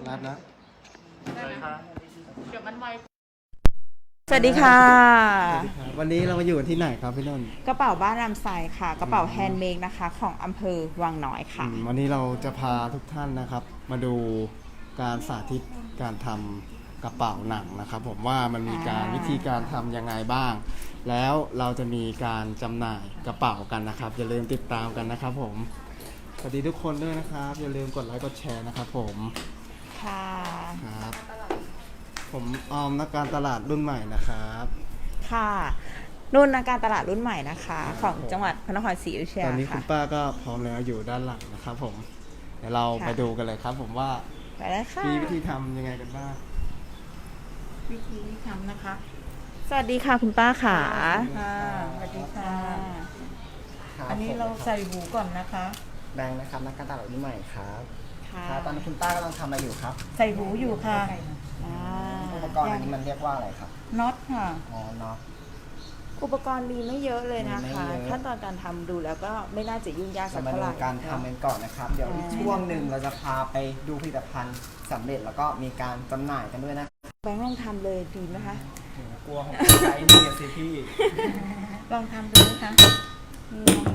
นัดนะได้ไหมคะเดี๋ยวมันไวสวัสดีค่ะวันนี้เรามาอยู่ที่ไหนครับพี่นนท์กระเป๋าบ้านรำไซค่ะ กระเป๋าแฮนด์เมดนะคะ ของอำเภอวังน้อยค่ะวันนี้เราจะพาทุกท่านนะครับ มาดูการสาธิตการทำกระเป๋าหนังนะครับ ผมว่ามันมีการวิธีการทำยังไงบ้าง แล้วเราจะมีการจำหน่ายกระเป๋ากันนะครับ อย่าลืมติดตามกันนะครับผมสวัสดีทุกคนด้วยนะครับ อย่าลืมกดไลค์กดแชร์นะครับผมค่ะครับผมออมนักการตลาดรุ่นใหม่นะครับค่ะนุ่นนักการตลาดรุ่นใหม่นะคะ ของจังหวัดพระนครศรีอยุธยาตอนนี้คุค่ะณป้าก็พร้อมแล้วอยู่ด้านหลังนะครับผมเดี๋ยวเราไปดูกันเลยครับ ผมว่าไปเลยค่ะมีวิธีทำยังไงกันบ้างวิธีทำนะคะสวัสดีค่ะคุณป้าค่ะค่ะสวัสดีค่ะครับอันนี้เราใส่หูก่อนนะคะแบงค์นะครับนักการตลาดรุ่นใหม่ครับค่ะครับตอนนี้คุณป้ากำลังทำอะไรอยู่ครับใส่หูอยู่ค่ะอ่าอุปกรณ์อันนี้มันเรียกว่าอะไรครับน็อตค่ะอ๋อเนาะอุปกรณ์มีไม่เยอะเลยนะคะมีไม่เยอะขั้นตอนการทำดูแล้วก็ไม่น่าจะยุ่งยากสัจะกมาเท่าดูไหร่การทำกันก่อนนะครับ เดี๋ยวอีกช่วงหนึ่งเราจะพาไปดูผลิตภัณฑ์สำเร็จแล้วก็มีการจำหน่ายกันด้วยนะแบงค์ลองทำเลยดีไหมคะกลัวของใช้นี่สิพี่ลองทำดูนะคะนี่นะคะ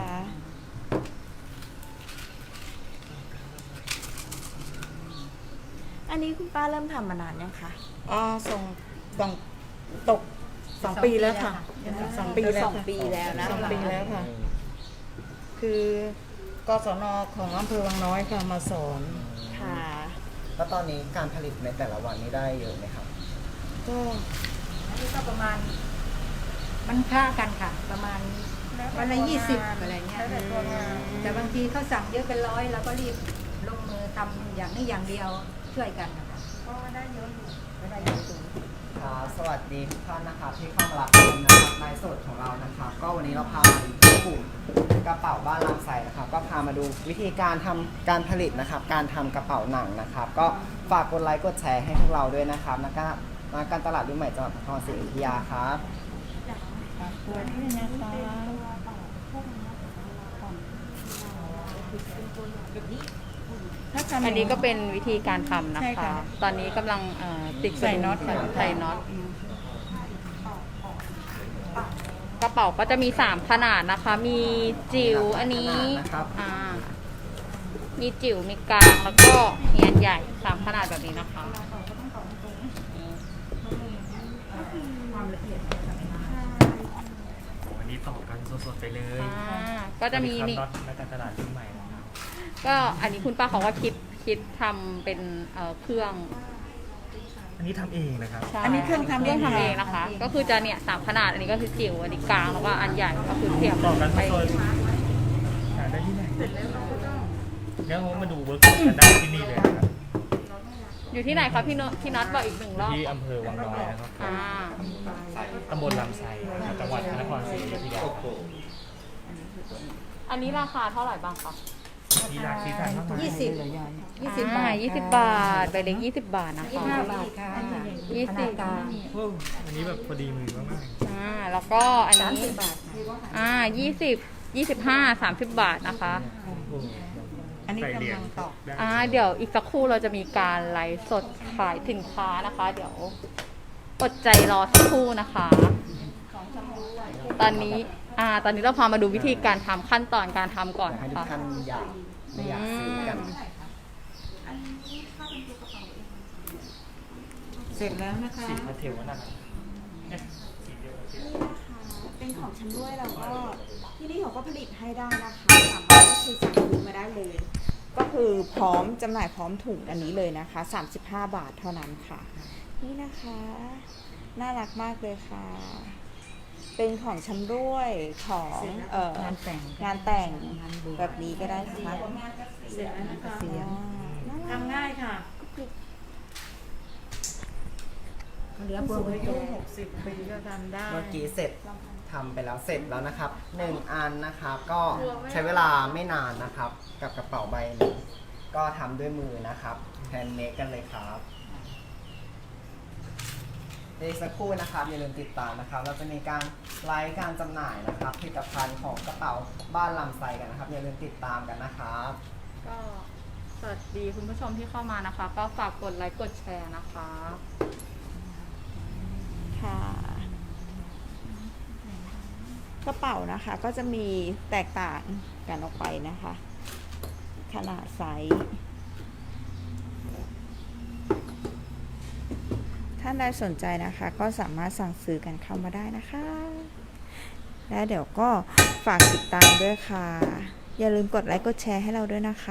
อันนี้คุณป้าเริ่มทำมานานยังคะอ๋อส่งตก2 ปีแล้วค่ะ2 ปีแล้วสองปีแล้วนะ 2 ปีแล้วค่ะ คือกศนของอำเภอวังน้อยค่ะมาสอนค่ะแล้วตอนนี้การผลิตในแต่ละวันนี้ได้เยอะไหมครับก็อันนี้ก็ประมาณมันค่ากันค่ะ ประมาณวันละ20อะไรเงี้ยแต่บางทีเขาสั่งเยอะเป็น100เราก็รีบลงมือทำอย่างนี้อย่างเดียวช่วยกันนะคะก็ได้เยอะอยู่ก็ได้เยอะอยู่ครับสวัสดีทุกท่านนะครับที่เข้ามารับชมนะครับไลฟ์สดของเรานะครับ ก็วันนี้เราพามาที่กลุ่มกระเป๋าบ้านลำไส้นะครับ ก็พามาดูวิธีการทำการผลิตนะครับ การทำกระเป๋าหนังนะครับ ก็ฝากกดไลค์กดแชร์ให้พวกเราด้วยนะครับนักการตลาดรุ่นใหม่จังหวัดพระนครศรีอยุธยาครับตัวนี้นะคะถ้าทำอันนี้ก็เป็นวิธีการทำนะใช่คะค่ะตอนนี้กำลังติดใส่น็อตใส่น็อต กระเป๋าก็จะมี3ขนาดนะคะ มีจิ๋วอันนี้นะครับมีจิ๋ว มีกลาง แล้วก็มีอันใหญ่3ขนาดแบบนี้นะคะวันนี้ต่อกันสดๆไปเลยก็จะมีสวัสดีนี่ครับน็อตนักการตลาดรุ่นใหม่นะครับก็อันนี้คุณป้าเขาก็คิดทำเป็นเครื่องอันนี้ทำเองนะครับใช่อันนี้เครื่องทำเครื่องทำเอเอง งนะคะ ก็คือจะเนี่ย3ขนาด อันนี้ก็คือจิ๋ว อันนี้กลาง แล้วก็อันใหญ่ ก็คือเทียบต่อกันไปสดๆหาได้ที่ไหนงั้นผมมาดูเวิร์กช็อปกันได้ที่นี่เลยนะครับอยู่ที่ไหนคะพี่น็อตบอกอีก1 รอบที่อำเภอวังน้อยนะครับอ่าตำบลลำไส้นะครับจังหวัดพระนครศรีอยุธยาอันนี้ราคาเท่าไหร่บ้างคะที่ร้านที่ทานเท่าไหร่ 20 บาท 20 บาท ใบเล็ก20 บาทนะคะ 25 บาทค่ะ 20 กลางโอ้อันนี้แบบพอดีมือมากแล้วก็อันนี้ 30 บาท 20 25 30 บาทนะคะๆโอ้โหอันนี้ใส่เหรียญกำลังตอกได้เดี๋ยวอีกสักครู่เราจะมีการไลฟ์สดขายสินค้านะคะ เดี๋ยวอดใจรอสักครู่นะคะ ตอนนี้เราพามาดูวิธีการทำขั้นตอนการทำก่อนให้นะทุกคะท่านอยากซื้อกันเสร็จแล้วนะคะสีพาสเทลนั่นน่ะเนี่ยสีเดียวกันเป็นของชำร่วยแล้วก็ที่นี่เขาก็ผลิตให้ได้นะคะสามารถก็คือสั่งซื้อมาได้เลย ก็คือพร้อมจำหน่ายพร้อมถุงอันนี้เลยนะคะ35 บาทเท่านั้นค่ะ นี่นะคะน่ารักมากเลยค่ะ เป็นของชำร่วยของงานแต่งงานแต่งงานบวชแบบนี้ก็ได้นะคะเสร็จแล้วนะคะอ่าน่ารักทำง่ายค่ะเหลือพวงอายุ60 ปีก็ทำได้เมื่อกี้เสร็จทำไปแล้วเสร็จแล้วนะครับ1 อันนะครับก็ใช้เวลาไม่นานนะครับ กับกระเป๋าใบนี้ก็ทำด้วยมือนะครับแฮนด์เมดกันเลยครับอีกสักครู่นะครับอย่าลืมติดตามนะครับ เราจะมีการไลฟ์การจำหน่ายนะครับผลิตภัณฑ์ของกระเป๋าบ้านลำไส้กันนะครับอย่าลืมติดตามกันนะครับก็สวัสดีคุณผู้ชมที่เข้ามานะคะ ก็ฝากกดไลค์กดแชร์นะคะค่ะกระเป๋านะคะก็จะมีแตกต่างกันออกไปนะคะ ขนาดไซส์ท่านใดสนใจนะคะ ก็สามารถสั่งซื้อกันเข้ามาได้นะคะ และเดี๋ยวก็ฝากติดตามด้วยค่ะ อย่าลืมกดไลค์กดแชร์ให้เราด้วยนะคะ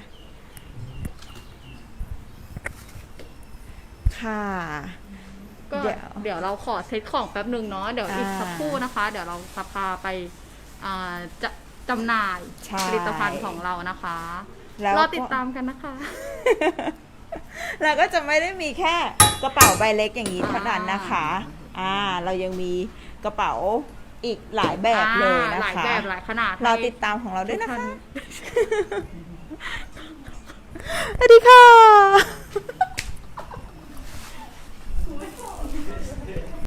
ค่ะก็เดี๋ยวเราขอเซตของแป๊บหนึ่งเนาะเดี๋ยวอีกสักครู่นะคะ เดี๋ยวเราจะพาไปจะจำหน่ายใช่ผลิตภัณฑ์ของเรานะคะแล้วรก็อติดตามกันนะคะเราก็จะไม่ได้มีแค่กระเป๋าใบเล็กอย่างนี้เท่านั้นนะคะ เรายังมีกระเป๋าอีกหลายแบบเลยนะหลายคะแบบหลายขนาดเราให้ติดตามของเราด้วยนะทุกท่าคะ สวัสดีค่ะ